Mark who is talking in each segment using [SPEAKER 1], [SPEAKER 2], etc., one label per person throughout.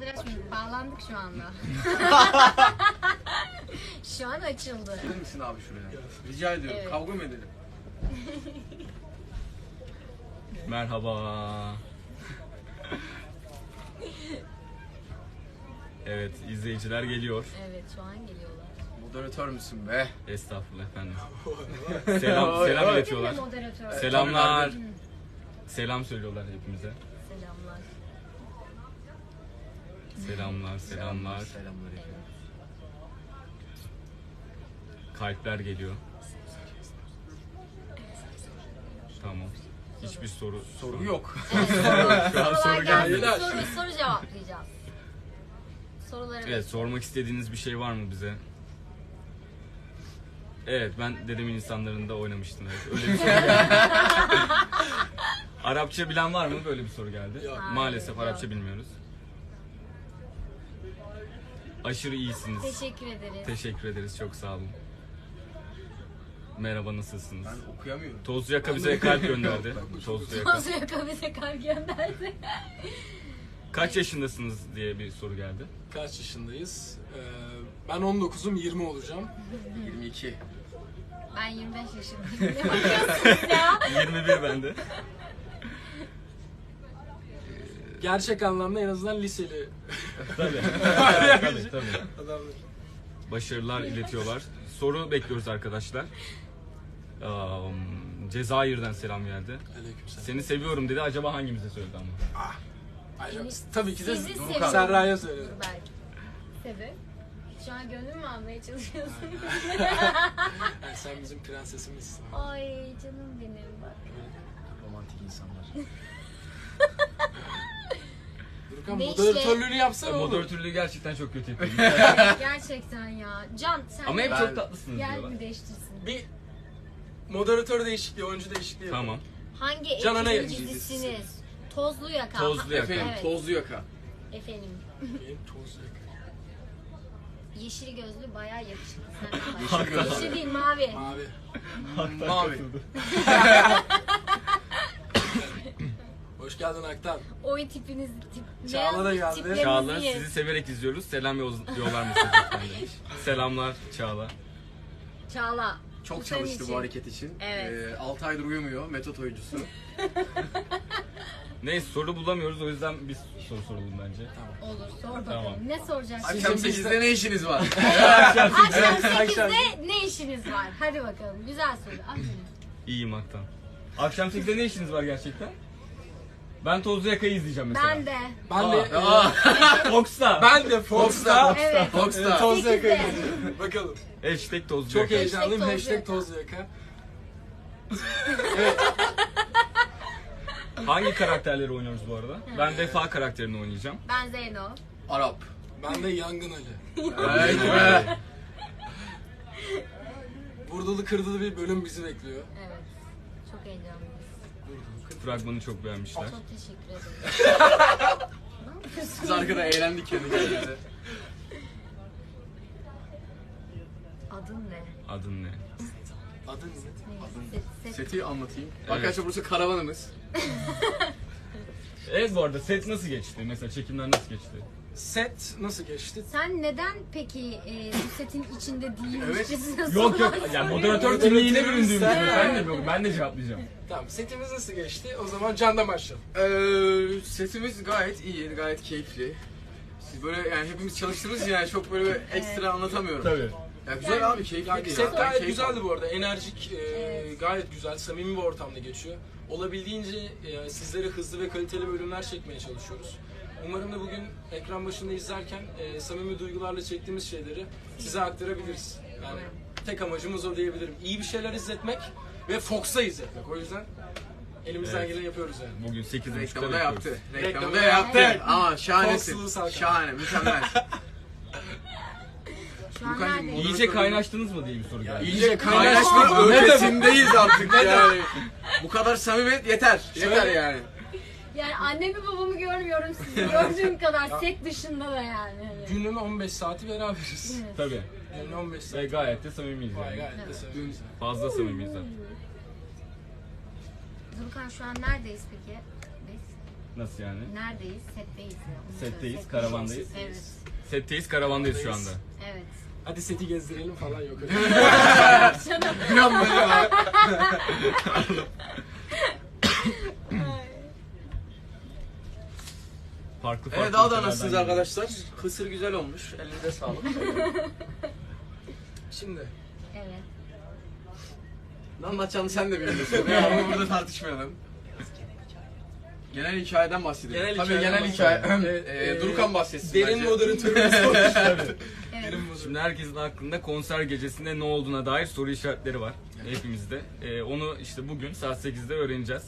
[SPEAKER 1] bayağıdır açmıyorduk. Bağlandık şu anda. Şu an açıldı.
[SPEAKER 2] Gelir misin abi şuraya? Rica ediyorum.
[SPEAKER 1] Evet.
[SPEAKER 2] Kavga mı edelim?
[SPEAKER 3] Merhaba. Evet, izleyiciler geliyor.
[SPEAKER 1] Evet, şu an geliyorlar.
[SPEAKER 2] Moderatör müsün be?
[SPEAKER 3] Estağfurullah efendim. Selam iletiyorlar.
[SPEAKER 1] Kim de moderatör?
[SPEAKER 3] Selamlar.
[SPEAKER 2] Tabii,
[SPEAKER 3] Selam söylüyorlar hepimize.
[SPEAKER 1] Selamlar.
[SPEAKER 3] Selamlar.
[SPEAKER 2] Selamlar efendim.
[SPEAKER 3] Kalpler geliyor. Tamam. Hiçbir soru
[SPEAKER 2] Yok.
[SPEAKER 3] Şu an soru gelmedi.
[SPEAKER 1] Soru cevaplayacağız. Soruları
[SPEAKER 3] Evet, sormak istediğiniz bir şey var mı bize? Evet, ben Dedemin İnsanları'nda oynamıştım. Evet. Öyle bir soru geldi. Arapça bilen var mı? Böyle bir soru geldi.
[SPEAKER 4] Yok.
[SPEAKER 3] Maalesef
[SPEAKER 1] Hayır,
[SPEAKER 3] Arapça
[SPEAKER 1] yok.
[SPEAKER 3] bilmiyoruz. Aşırı iyisiniz.
[SPEAKER 1] Teşekkür ederiz.
[SPEAKER 3] Teşekkür ederiz. Çok sağ olun. Merhaba, nasılsınız?
[SPEAKER 2] Ben okuyamıyorum.
[SPEAKER 3] Tozlu Yaka bize kalp gönderdi. Tozlu Yaka.
[SPEAKER 1] Tozlu Yaka bize kalp gönderdi.
[SPEAKER 3] Kaç yaşındasınız diye bir soru geldi.
[SPEAKER 4] Kaç yaşındayız? Ben 19'um, 20 olacağım.
[SPEAKER 2] 22.
[SPEAKER 1] Ben 25 yaşındayım. Ne bakıyorsunuz ya?
[SPEAKER 3] 21 bende.
[SPEAKER 4] Gerçek anlamda en azından liseli
[SPEAKER 3] Tabii. Tabii.
[SPEAKER 4] adamlar.
[SPEAKER 3] Başarılar iletiyorlar. Soru bekliyoruz arkadaşlar. Cezayir'den selam geldi.
[SPEAKER 4] Aleykümselam.
[SPEAKER 3] Seni seviyorum dedi. Acaba hangimize söyledi ama?
[SPEAKER 4] Tabii ki de
[SPEAKER 1] Sizi
[SPEAKER 4] Doruk
[SPEAKER 1] seviyorum.
[SPEAKER 4] Serra'ya söyledim.
[SPEAKER 1] Dur belki. Sebep? Şu an gönlüm mü almaya çalışıyorsun?
[SPEAKER 4] Yani sen bizim prensesimizsin.
[SPEAKER 1] Ay canım benim bak.
[SPEAKER 2] Romantik insanlar.
[SPEAKER 4] Durkan
[SPEAKER 1] Ne
[SPEAKER 4] moderatörlüğünü yapsana oğlum.
[SPEAKER 3] Moderatörlüğü gerçekten çok kötü yapıyor.
[SPEAKER 1] Gerçekten ya. Can sen
[SPEAKER 3] Ama hep
[SPEAKER 1] de
[SPEAKER 3] çok tatlısınız
[SPEAKER 1] gel
[SPEAKER 3] diyorlar.
[SPEAKER 1] bir değiştirsin.
[SPEAKER 4] Bir moderatör değişikliği, oyuncu değişikliği yapalım.
[SPEAKER 3] Tamam.
[SPEAKER 1] Hangi
[SPEAKER 4] Can Ana
[SPEAKER 1] ekibin
[SPEAKER 4] Yayın
[SPEAKER 1] dizisiniz? Tozlu Yaka.
[SPEAKER 3] Tozlu Yaka.
[SPEAKER 2] Efendim
[SPEAKER 1] Evet.
[SPEAKER 2] Tozlu Yaka.
[SPEAKER 1] Efendim.
[SPEAKER 4] Benim tozlu yaka.
[SPEAKER 1] Yeşil gözlü bayağı yakışıklı. Senden
[SPEAKER 2] Yeşil
[SPEAKER 1] başka.
[SPEAKER 2] gözlü.
[SPEAKER 1] Yeşil değil mavi.
[SPEAKER 4] Mavi.
[SPEAKER 2] Mavi.
[SPEAKER 4] Hoş geldin Aktan.
[SPEAKER 1] Oy tipiniz
[SPEAKER 4] Çağla da geldi.
[SPEAKER 1] tiplerinizi
[SPEAKER 3] Çağla
[SPEAKER 1] yiyin.
[SPEAKER 3] sizi severek izliyoruz. Selam yollar mısınız lütfen demiş. Selamlar Çağla.
[SPEAKER 1] Çağla.
[SPEAKER 2] Çok
[SPEAKER 1] bu senin
[SPEAKER 2] çalıştı
[SPEAKER 1] için.
[SPEAKER 2] bu hareket için.
[SPEAKER 1] Evet.
[SPEAKER 2] 6 aydır uyumuyor. Metot oyuncusu.
[SPEAKER 3] Neyse soru bulamıyoruz o yüzden biz soru soralım bence.
[SPEAKER 1] Olur sor bakalım.
[SPEAKER 3] Tamam.
[SPEAKER 1] Ne soracaksın?
[SPEAKER 2] Akşam 8'de ne işiniz var?
[SPEAKER 1] Akşam
[SPEAKER 4] akşam.
[SPEAKER 1] 8'de ne işiniz var? Hadi bakalım. Güzel soru. Aferin.
[SPEAKER 3] İyiyim Aktan. Akşam 8'de ne işiniz var gerçekten? Ben Tozlu Yaka'yı izleyeceğim mesela.
[SPEAKER 1] Ben de.
[SPEAKER 4] Ben de
[SPEAKER 3] Fox'ta.
[SPEAKER 4] ben de Fox'ta
[SPEAKER 1] Evet.
[SPEAKER 2] Fox'ta.
[SPEAKER 4] tozlu yaka
[SPEAKER 1] 8'de.
[SPEAKER 4] izleyeceğim. Bakalım.
[SPEAKER 3] Hashtag Tozlu
[SPEAKER 4] Çok
[SPEAKER 3] Yaka.
[SPEAKER 4] heyecanlıyım.
[SPEAKER 1] Tozlu
[SPEAKER 4] Hashtag
[SPEAKER 1] yaka.
[SPEAKER 4] tozlu yaka.
[SPEAKER 3] Hangi karakterleri oynuyoruz bu arada? Ben Vefa karakterini oynayacağım.
[SPEAKER 1] Ben Zeyno.
[SPEAKER 2] Arap.
[SPEAKER 4] Ben de Yangın Ali.
[SPEAKER 2] Evet be.
[SPEAKER 4] Vurdulu kırdılı bir bölüm bizi bekliyor.
[SPEAKER 1] Evet. Çok heyecanlıyız.
[SPEAKER 3] Fragmanı çok beğenmişler.
[SPEAKER 1] Çok teşekkür ederim. Ne yapıyorsun?
[SPEAKER 2] Biz arkada eğlendik kendi kendimize.
[SPEAKER 1] Adın ne?
[SPEAKER 3] Adın ne?
[SPEAKER 4] Adın ne?
[SPEAKER 1] Set.
[SPEAKER 2] Seti anlatayım.
[SPEAKER 3] Evet.
[SPEAKER 2] Arkadaşlar burası karavanımız.
[SPEAKER 3] Evet bu arada set nasıl geçti? Mesela çekimler nasıl geçti?
[SPEAKER 4] Set nasıl geçti?
[SPEAKER 1] Sen neden peki bu setin içinde
[SPEAKER 2] Evet.
[SPEAKER 1] değilmişsin?
[SPEAKER 3] Yok yok yani moderatör kimliğine büründüğüm için.
[SPEAKER 4] Sen-
[SPEAKER 3] Ben de cevaplayacağım.
[SPEAKER 4] Tamam, setimiz nasıl geçti? O zaman Can'dan başlayalım.
[SPEAKER 2] Setimiz gayet iyi, gayet keyifli. Siz böyle yani hepimiz çalıştığımız için yani çok böyle ekstra anlatamıyorum.
[SPEAKER 3] Tabii.
[SPEAKER 2] Ya güzel abi, keyifli
[SPEAKER 4] Yani
[SPEAKER 2] değil.
[SPEAKER 4] set
[SPEAKER 2] Ben
[SPEAKER 4] gayet
[SPEAKER 2] keyif
[SPEAKER 4] güzeldi
[SPEAKER 2] aldım.
[SPEAKER 4] bu arada. Enerjik,
[SPEAKER 1] Evet.
[SPEAKER 4] gayet güzel, samimi bir ortamda geçiyor. Olabildiğince sizlere hızlı ve kaliteli bölümler çekmeye çalışıyoruz. Umarım da bugün ekran başında izlerken samimi duygularla çektiğimiz şeyleri size aktarabiliriz. Yani tek amacımız o diyebilirim. İyi bir şeyler izletmek ve Fox'a izletmek. O yüzden elimizden
[SPEAKER 3] Evet.
[SPEAKER 4] geleni yapıyoruz yani.
[SPEAKER 3] Bugün 8.30'da
[SPEAKER 2] Reklamı da
[SPEAKER 3] bekliyoruz.
[SPEAKER 2] yaptı.
[SPEAKER 4] Reklamı
[SPEAKER 2] Reklamı
[SPEAKER 4] da
[SPEAKER 2] da yaptı.
[SPEAKER 4] yaptı.
[SPEAKER 2] Ama şahanesin.
[SPEAKER 4] Fox'lu Salkan.
[SPEAKER 2] Şahane, mükemmel.
[SPEAKER 1] Şu an
[SPEAKER 2] Furkancığım,
[SPEAKER 1] neredeyiz?
[SPEAKER 3] İyice kaynaştınız mı diye bir soru geldi.
[SPEAKER 2] İyice kaynaşma ötesindeyiz artık yani. Bu kadar samimiyet yeter. Yeter yani.
[SPEAKER 1] Yani annemi babamı görmüyorum sizi gördüğüm kadar set dışında da yani.
[SPEAKER 4] Günün 15 saati beraberiz.
[SPEAKER 1] Evet.
[SPEAKER 3] Tabii.
[SPEAKER 4] Günün 15
[SPEAKER 3] Ve
[SPEAKER 4] saati.
[SPEAKER 3] gayet de samimiyiz yani.
[SPEAKER 4] Gayet de samimiyiz.
[SPEAKER 3] Fazla samimiyiz zaten.
[SPEAKER 1] Durkan şu an neredeyiz peki? Biz
[SPEAKER 3] Nasıl yani?
[SPEAKER 1] Neredeyiz? Setteyiz. Ya. Onu
[SPEAKER 3] Setteyiz,
[SPEAKER 1] söyle.
[SPEAKER 3] karavandayız.
[SPEAKER 1] Evet.
[SPEAKER 3] Setteyiz, karavandayız şu anda.
[SPEAKER 1] Evet.
[SPEAKER 4] Hadi seti gezdirelim falan yok öyle.
[SPEAKER 2] Bir an böyle var.
[SPEAKER 3] Farklı
[SPEAKER 2] Evet, daha da
[SPEAKER 3] ülkelerden
[SPEAKER 2] nasılsınız
[SPEAKER 3] geliyor.
[SPEAKER 2] arkadaşlar? Kısır güzel olmuş. Elinize sağlık.
[SPEAKER 4] Şimdi
[SPEAKER 1] Evet.
[SPEAKER 2] Ne anlatacağını sen de biliyorsun. Ya ama burada tartışmayalım. Genel hikayeden bahsedelim. Tabii genel hikaye.
[SPEAKER 4] Evet,
[SPEAKER 2] Durukan bahsetsin
[SPEAKER 4] derin
[SPEAKER 2] bence.
[SPEAKER 4] moderatörümüz olmuş.
[SPEAKER 1] Evet.
[SPEAKER 3] Şimdi herkesin aklında konser gecesinde ne olduğuna dair soru işaretleri var. Hepimizde. Onu işte bugün saat 8'de öğreneceğiz.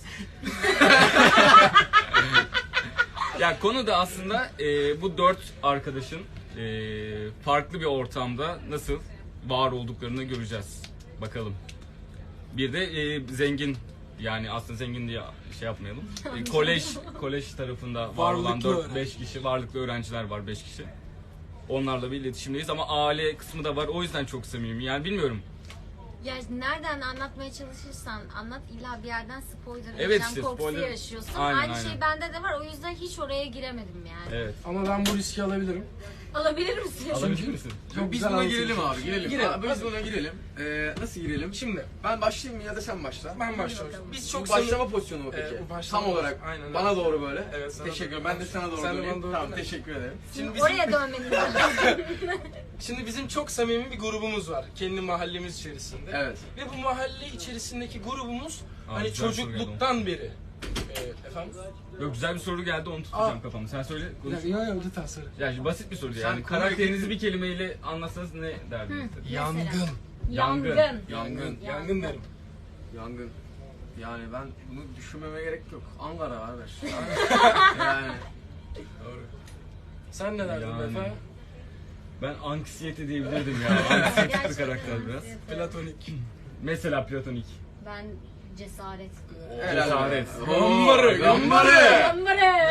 [SPEAKER 3] Ya konu da aslında bu 4 arkadaşın farklı bir ortamda nasıl var olduklarını göreceğiz. Bakalım. Bir de zengin, yani aslında zengin diye şey yapmayalım. Kolej tarafında var olan
[SPEAKER 4] Varlıklı
[SPEAKER 3] 4-5 kişi, varlıklı öğrenciler var 5 kişi. Onlarla bir iletişimdeyiz ama aile kısmı da var, o yüzden çok samimi. Yani bilmiyorum.
[SPEAKER 1] Ya nereden anlatmaya çalışırsan anlat, illa bir yerden spoiler
[SPEAKER 3] Evet,
[SPEAKER 1] yaşam
[SPEAKER 3] işte
[SPEAKER 1] korkusu
[SPEAKER 3] spoiler.
[SPEAKER 1] yaşıyorsun.
[SPEAKER 3] Aynen,
[SPEAKER 1] Aynı
[SPEAKER 3] aynen.
[SPEAKER 1] şey bende de var, o yüzden hiç oraya giremedim yani.
[SPEAKER 3] Evet.
[SPEAKER 4] Ama ben bu riski alabilirim.
[SPEAKER 1] Alabilir misin?
[SPEAKER 3] Alabilir misin?
[SPEAKER 4] Çok
[SPEAKER 2] Biz
[SPEAKER 4] güzel
[SPEAKER 2] buna
[SPEAKER 4] anlatıyorsun.
[SPEAKER 2] girelim abi, girelim.
[SPEAKER 4] Girelim.
[SPEAKER 2] Abi, biz buna girelim. Nasıl girelim?
[SPEAKER 4] Şimdi
[SPEAKER 2] Ben başlayayım mı ya da sen başla?
[SPEAKER 4] ben başlıyorum. Biz
[SPEAKER 2] Çok
[SPEAKER 4] çok
[SPEAKER 2] başlama pozisyonu mu peki?
[SPEAKER 4] bu başlama
[SPEAKER 2] Tam olarak
[SPEAKER 4] aynen,
[SPEAKER 2] bana
[SPEAKER 4] evet.
[SPEAKER 2] doğru böyle.
[SPEAKER 4] Evet, sana
[SPEAKER 2] Teşekkür
[SPEAKER 4] doğru.
[SPEAKER 2] ederim. Ben de sana doğru
[SPEAKER 4] Sen de
[SPEAKER 2] döneyim.
[SPEAKER 4] bana doğru
[SPEAKER 2] Tamam,
[SPEAKER 4] dön.
[SPEAKER 2] teşekkür ederim.
[SPEAKER 1] Oraya dönmeniz lazım.
[SPEAKER 4] Şimdi bizim çok samimi bir grubumuz var kendi mahallemiz içerisinde.
[SPEAKER 2] Evet.
[SPEAKER 4] Ve bu mahalle içerisindeki grubumuz hani
[SPEAKER 3] güzel soru
[SPEAKER 4] çocukluktan beri. Efendim?
[SPEAKER 3] Yok, güzel bir soru geldi, onu tutacağım kafamı. Sen söyle. Konuş.
[SPEAKER 4] Yok lütfen söyle.
[SPEAKER 3] Yani basit bir soru
[SPEAKER 2] Sen
[SPEAKER 3] yani.
[SPEAKER 2] konuya
[SPEAKER 3] Karakterinizi bir kelimeyle anlatsanız ne derdiniz?
[SPEAKER 4] Yangın.
[SPEAKER 3] Yangın.
[SPEAKER 2] Yangın.
[SPEAKER 4] Yangın derim.
[SPEAKER 2] Yangın. Yani ben bunu düşünmeme gerek yok. Ankara arkadaş. Yani.
[SPEAKER 4] Doğru. Sen ne derdin
[SPEAKER 3] Yani.
[SPEAKER 4] Efe?
[SPEAKER 3] Ben anksiyete diyebilirdim ya. Anksiyetikli
[SPEAKER 1] Gerçekten
[SPEAKER 3] karakter biraz.
[SPEAKER 4] Platonik.
[SPEAKER 3] Mesela platonik.
[SPEAKER 1] Ben cesaret.
[SPEAKER 3] Cesaret.
[SPEAKER 2] Gambarı.
[SPEAKER 1] Gambarı.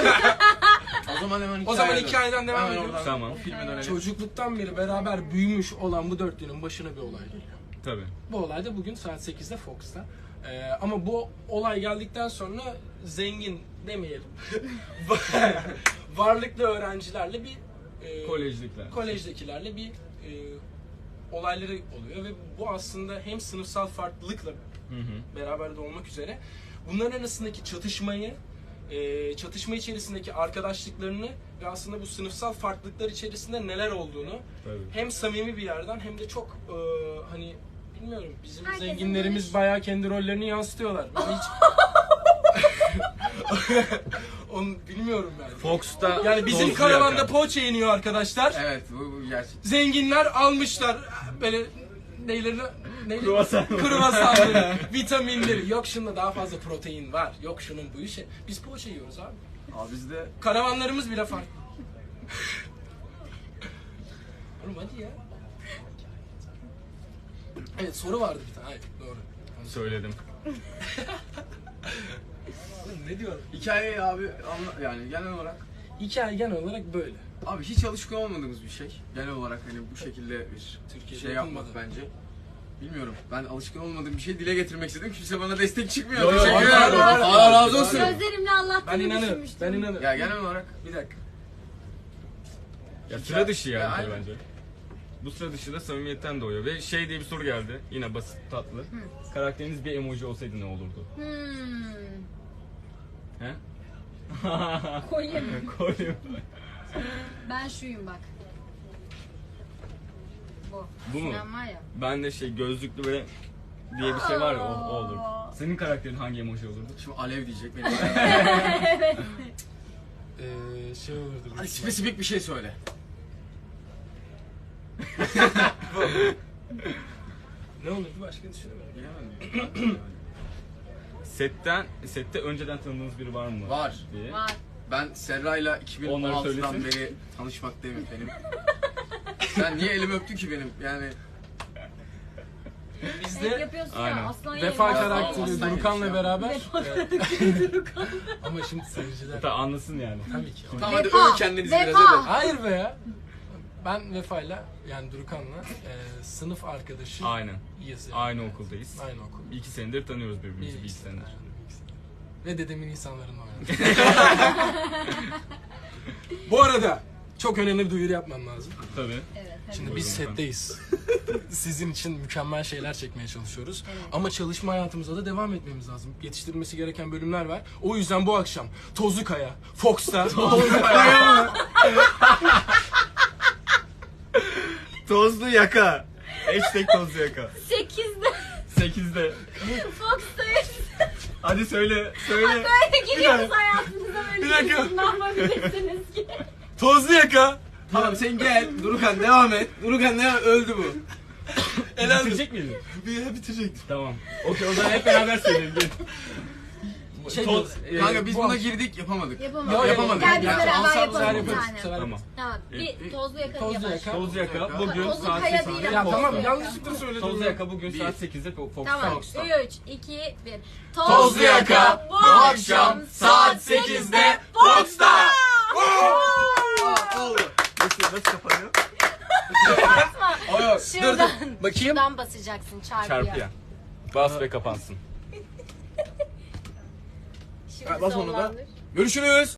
[SPEAKER 2] O zaman hemen
[SPEAKER 4] O zaman
[SPEAKER 2] dön.
[SPEAKER 4] hikayeden devam
[SPEAKER 2] Hemen
[SPEAKER 4] ediyoruz.
[SPEAKER 2] oradan
[SPEAKER 3] Tamam.
[SPEAKER 2] O filme dönelim.
[SPEAKER 4] Çocukluktan beri beraber büyümüş olan bu dörtlünün başına bir olay geliyor.
[SPEAKER 3] Tabii.
[SPEAKER 4] Bu olay da bugün saat 8'de Fox'ta. Ama bu olay geldikten sonra zengin demeyelim. Varlıklı öğrencilerle bir
[SPEAKER 3] Kolejlikler.
[SPEAKER 4] kolejdekilerle bir olayları oluyor ve bu aslında hem sınıfsal farklılıkla
[SPEAKER 3] Hı hı.
[SPEAKER 4] beraber de olmak üzere bunların arasındaki çatışmayı, çatışma içerisindeki arkadaşlıklarını ve aslında bu sınıfsal farklılıklar içerisinde neler olduğunu
[SPEAKER 3] Tabii.
[SPEAKER 4] hem samimi bir yerden hem de çok hani bilmiyorum bizim
[SPEAKER 1] Herkesin
[SPEAKER 4] zenginlerimiz
[SPEAKER 1] görüş-
[SPEAKER 4] bayağı kendi rollerini yansıtıyorlar. Ben hiç onu bilmiyorum ben.
[SPEAKER 3] Fox'ta
[SPEAKER 4] Yani bizim
[SPEAKER 3] tozlu
[SPEAKER 4] karavanda
[SPEAKER 3] yakan.
[SPEAKER 4] poğaça yeniyor arkadaşlar.
[SPEAKER 2] Evet, bu gerçek.
[SPEAKER 4] Zenginler almışlar böyle neylerini
[SPEAKER 3] Kruvasan.
[SPEAKER 4] kruvasanları, vitaminleri. Yok şunda daha fazla protein var. Yok şunun bu işi. Biz poğaça yiyoruz abi.
[SPEAKER 2] Abi bizde
[SPEAKER 4] Karavanlarımız bile farklı. Oğlum hadi ya. Evet soru vardı bir tane. Hayır doğru.
[SPEAKER 3] Söyledim.
[SPEAKER 4] Oğlum ne diyorum?
[SPEAKER 2] hikayeyi abi yani genel olarak
[SPEAKER 4] Hikaye genel olarak böyle.
[SPEAKER 2] abi hiç alışkın olmadığımız bir şey. Genel olarak hani bu şekilde bir
[SPEAKER 4] Türkiye'de
[SPEAKER 2] şey yapmak
[SPEAKER 4] yapılmadı.
[SPEAKER 2] bence. Bilmiyorum. Ben alışkın olmadığım bir şey dile getirmek istedim. Kimse bana destek çıkmıyor.
[SPEAKER 3] Yo, yo,
[SPEAKER 2] Teşekkür
[SPEAKER 3] var,
[SPEAKER 2] ederim.
[SPEAKER 3] var, var.
[SPEAKER 2] Allah razı olsun.
[SPEAKER 1] Gözlerimle
[SPEAKER 4] Ben
[SPEAKER 1] anlattığını
[SPEAKER 4] inanırım.
[SPEAKER 1] düşünmüştüm.
[SPEAKER 4] Ben inanırım.
[SPEAKER 2] Ya genel olarak
[SPEAKER 4] Bir dakika.
[SPEAKER 3] Ya sıra dışı yani
[SPEAKER 2] Ya,
[SPEAKER 3] tabii
[SPEAKER 2] aynen.
[SPEAKER 3] bence. Bu sıra dışı da samimiyetten doğuyor ve şey diye bir soru geldi. Yine basit, tatlı. Karakteriniz bir emoji olsaydı ne olurdu? He?
[SPEAKER 1] Koyayım.
[SPEAKER 3] Koyayım.
[SPEAKER 1] Ben şuyum bak. Bu.
[SPEAKER 3] Bu mu?
[SPEAKER 1] Sinan var ya.
[SPEAKER 3] Ben de şey gözlüklü böyle diye bir şey var ya, o olur. Senin karakterin hangi emoji olurdu?
[SPEAKER 2] şimdi alev diyecek benim.
[SPEAKER 4] Şey olurdu.
[SPEAKER 2] Hadi spesifik bir şey söyle.
[SPEAKER 4] Ne olurdu başka düşünemedim.
[SPEAKER 2] Bilemedim.
[SPEAKER 3] Sette önceden tanıdığınız biri var mı?
[SPEAKER 2] Var.
[SPEAKER 3] Diye.
[SPEAKER 1] Var.
[SPEAKER 2] Ben Serra'yla
[SPEAKER 3] Onları
[SPEAKER 2] 2016'dan
[SPEAKER 3] söylesin.
[SPEAKER 2] beri tanışmaktayım efendim. Sen niye elimi öptün ki benim? Yani
[SPEAKER 1] Hep
[SPEAKER 4] Bizde
[SPEAKER 1] yapıyorsun
[SPEAKER 3] Aynen.
[SPEAKER 1] ya aslan
[SPEAKER 4] Vefa
[SPEAKER 1] yerim.
[SPEAKER 4] karakteri
[SPEAKER 2] aslan
[SPEAKER 4] Durukan'la
[SPEAKER 2] yemiş ya.
[SPEAKER 4] beraber. Ama şimdi seyirciler
[SPEAKER 3] Hatta anlasın yani.
[SPEAKER 4] tabii ki.
[SPEAKER 2] tamam hadi
[SPEAKER 1] Vefa,
[SPEAKER 2] övün kendinizi biraz
[SPEAKER 1] vefa.
[SPEAKER 2] hadi.
[SPEAKER 4] Hayır be ya. Ben Vefa'yla yani Durukan'la sınıf arkadaşı
[SPEAKER 3] Aynen.
[SPEAKER 4] yani.
[SPEAKER 3] Aynı okuldayız.
[SPEAKER 4] Aynı okul.
[SPEAKER 3] 2 senedir tanıyoruz birbirimizi, bir iki senedir.
[SPEAKER 4] ve dedemin insanlarını oynadım. Bu arada çok önemli bir duyuru yapmam lazım.
[SPEAKER 3] Tabii.
[SPEAKER 1] Evet, hadi.
[SPEAKER 4] Şimdi biz
[SPEAKER 3] Buyurun
[SPEAKER 4] setteyiz. Sizin için mükemmel şeyler çekmeye çalışıyoruz.
[SPEAKER 1] Evet.
[SPEAKER 4] Ama çalışma hayatımıza da devam etmemiz lazım. Yetiştirilmesi gereken bölümler var. O yüzden bu akşam Tozlu Kaya, Fox'ta
[SPEAKER 3] Tozlu yaka. Hashtag tozlu yaka.
[SPEAKER 1] 8'de
[SPEAKER 3] 8'de.
[SPEAKER 1] Fox'tayız.
[SPEAKER 3] Hadi söyle. Söyle.
[SPEAKER 1] Böyle gidiyoruz hayatınıza
[SPEAKER 4] Bir
[SPEAKER 1] böyle
[SPEAKER 4] dakika.
[SPEAKER 1] ne yapabilirsiniz ki?
[SPEAKER 4] Tozlu Yaka.
[SPEAKER 2] Tamam sen gel. Durukan devam et. Durukan ne öldü bu.
[SPEAKER 3] Bitirecek miydin?
[SPEAKER 2] Bitirecek.
[SPEAKER 3] Tamam. Okey o zaman hep beraber söyleyelim. Gel.
[SPEAKER 4] Şey
[SPEAKER 3] Toz,
[SPEAKER 2] Kanka biz
[SPEAKER 4] bu
[SPEAKER 2] buna
[SPEAKER 4] akşam-
[SPEAKER 2] girdik yapamadık.
[SPEAKER 1] Yapamadık.
[SPEAKER 2] Yapamadık.
[SPEAKER 1] Gel biz
[SPEAKER 2] Ya,
[SPEAKER 1] beraber
[SPEAKER 2] alsam
[SPEAKER 1] yapalım
[SPEAKER 2] güzel
[SPEAKER 1] bir
[SPEAKER 2] yaparız.
[SPEAKER 1] tane.
[SPEAKER 3] Tamam.
[SPEAKER 1] Tamam. Bir tozlu yaka
[SPEAKER 4] Tozlu
[SPEAKER 1] yapalım.
[SPEAKER 4] Yaka.
[SPEAKER 3] Tozlu yaka bugün
[SPEAKER 1] Tozlu
[SPEAKER 3] saat
[SPEAKER 1] Kaya
[SPEAKER 3] 8'de.
[SPEAKER 1] değil
[SPEAKER 4] Ya
[SPEAKER 1] ama
[SPEAKER 4] tamam
[SPEAKER 1] Tozlu Yaka.
[SPEAKER 4] yanlışlıkla söyledim.
[SPEAKER 3] Tozlu yaka bugün
[SPEAKER 2] Bir.
[SPEAKER 3] saat 8'de Fox'ta.
[SPEAKER 1] Tamam.
[SPEAKER 2] Fox'ta.
[SPEAKER 1] 3, 2, 1.
[SPEAKER 2] Tozlu Yaka bu akşam saat 8'de Fox'ta. Oldu.
[SPEAKER 3] Nasıl kapanıyor?
[SPEAKER 2] O yok.
[SPEAKER 1] Şuradan.
[SPEAKER 4] Bakayım.
[SPEAKER 1] Şuradan basacaksın çarpıya.
[SPEAKER 3] Çarpıya. Bas ve kapansın.
[SPEAKER 1] Şimdi
[SPEAKER 2] Bas onu da.
[SPEAKER 1] sonlandır.
[SPEAKER 2] Görüşürüz.